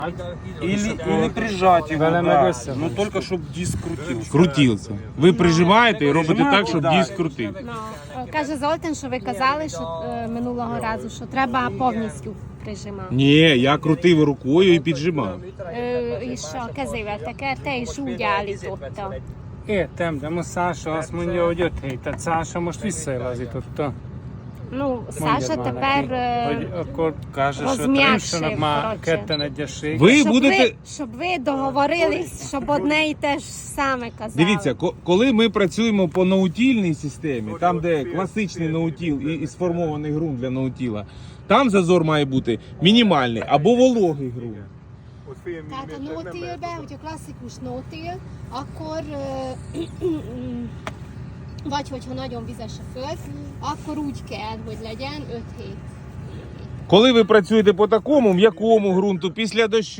Или прижать его, Велено да. весело. Но только чтобы диск крутился. Крутілся. Ви прижимаєте і робите так, щоб диск крутив. Ну, каже Золотин, що ви казали, що минулого разу, що треба повністю прижимати. Ні, я крутив рукою і піджимав. És a kezével tekerte, és úgy állította. Értem, de most Szása azt mondja, hogy 5 hét. Tehát Szása most visszajelazította. Ну, Mondjad Саша már тепер neki, hogy akkor Каже, що Розм'якшив, már коротше. ketten egyesség. Ви щоб будете... щоб ви договорились, щоб одне і те ж саме казали. Дивіться, коли ми працюємо по наутільній системі, там де класичний наутіл і сформований ґрунт для наутіла, там зазор має бути мінімальний або вологий ґрунт. Tehát a no-tillben, hogyha klasszikus no-till, akkor vagy hogyha nagyon vizes a föld, akkor úgy kell, hogy legyen 5 hét. Коли ви працюєте по такому м'якому ґрунту після дощу,